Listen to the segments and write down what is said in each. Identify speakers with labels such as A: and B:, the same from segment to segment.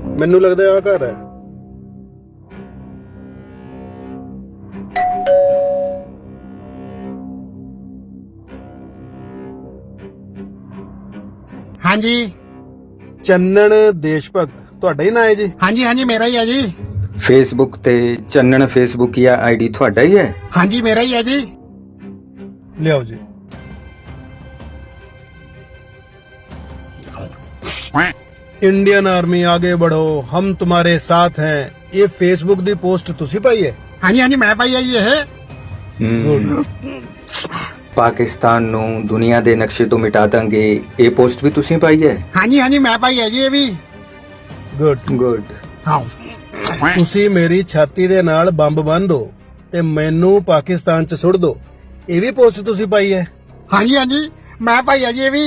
A: ਮੈਨੂੰ ਲੱਗਦਾ ਆ ਘਰ ਹੈ।
B: हाँ जी
A: ਚੰਨਣ ਦੇਸ਼ ਭਗਤ ਤੁਹਾਡਾ ਹੀ ਨਾਂ ਹੈ ਜੀ?
B: हाँ जी हाँ जी मेरा ही है जी।
C: ਫੇਸਬੁੱਕ ਤੇ ਚੰਨਣ ਫੇਸਬੁੱਕੀਆ ਆਈਡੀ ਤੁਹਾਡਾ ਹੀ ਹੈ?
B: हाँ जी मेरा ही है जी।
A: ਲਿਆਓ ਜੀ। ਇੰਡੀਅਨ ਆਰਮੀ ਆਗੇ बढ़ो हम तुम्हारे साथ हैं ਇਹ ਫੇਸਬੁੱਕ ਦੀ ਪੋਸਟ ਤੁਸੀਂ ਪਾਈ ਹੈ?
B: हाँ जी मैं पाई है ये है।
C: ਪਾਕਿਸਤਾਨ ਨੂੰ ਦੁਨੀਆ ਦੇ ਨਕਸ਼ੇ ਤੋਂ ਮਿਟਾ ਦਾਂਗੇ ਇਹ ਪੋਸਟ ਵੀ ਤੁਸੀਂ ਪਾਈ ਹੈ?
B: हाँ जी मैं पाई है जी ये भी।
C: ਗੁੱਡ।
B: हाँ
A: ਤੁਸੀਂ ਮੇਰੀ ਛਾਤੀ ਦੇ ਨਾਲ ਬੰਬ ਬੰਨ੍ਹ ਦਿਓ ਤੇ ਮੈਨੂੰ ਪਾਕਿਸਤਾਨ ਚ ਸੁੱਟ ਦਿਓ ਇਹ ਵੀ ਪੋਸਟ ਤੁਸੀਂ ਪਾਈ ਹੈ?
B: हाँ जी मैं पाई है जी ये भी।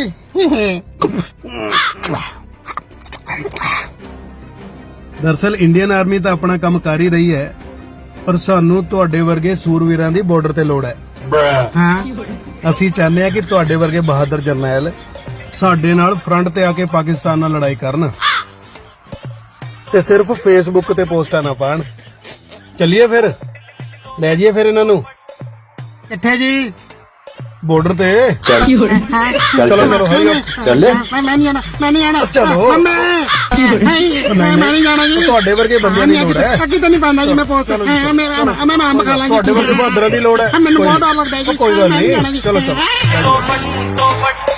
A: ਦਰਅਸਲ ਇੰਡੀਅਨ ਆਰਮੀ ਤਾਂ ਆਪਣਾ ਕੰਮ ਕਰ ਹੀ ਰਹੀ ਹੈ ਪਰ ਸਾਨੂੰ ਤੁਹਾਡੇ ਵਰਗੇ ਸੂਰਵੀਰਾਂ ਦੀ ਬਾਰਡਰ ਤੇ ਲੋੜ ਹੈ।
B: हाँ
A: ਅਸੀਂ ਚਾਹੁੰਦੇ ਹਾਂ ਕਿ ਤੁਹਾਡੇ ਵਰਗੇ ਬਹਾਦਰ ਜਰਨੈਲ ਸਾਡੇ ਨਾਲ ਫਰੰਟ ਤੇ ਆ ਕੇ ਪਾਕਿਸਤਾਨ ਨਾਲ ਲੜਾਈ ਕਰਨ ਤੇ ਸਿਰਫ ਫੇਸਬੁੱਕ ਤੇ ਪੋਸਟਾਂ ਨਾ ਪਾਣ। ਚੱਲੀਏ ਫਿਰ, ਲੈ ਜਾਈਏ ਫਿਰ ਇਹਨਾਂ ਨੂੰ
B: किथे जी?
A: ਬਾਰਡਰ ਤੇ।
C: ਚੱਲ
A: ਚਲੋ ਚਲੋ ਹਰੀ
C: ਚੱਲੇ।
B: मैं नहीं आना मैं नहीं आना।
A: चलो।
B: मैं नहीं जाना जी।
A: ਤੁਹਾਡੇ ਵਰਗੇ ਬੰਦਿਆਂ ਦੀ ਲੋੜ ਹੈ।
B: कितने नहीं पाना जी मैं पोस्ट मैं आम खा लांगी।
A: ਤੁਹਾਡੇ ਵਰਗੇ ਬਹਾਦਰਾਂ ਦੀ ਲੋੜ ਹੈ।
B: ਮੈਨੂੰ ਬਹੁਤ ਡਰ ਲੱਗਦਾ ਜੀ।
A: ਕੋਈ ਗੱਲ
B: मैं नहीं जाना
A: ਨਹੀਂ,
B: जी।
A: ਚਲੋ ਚਲੋ।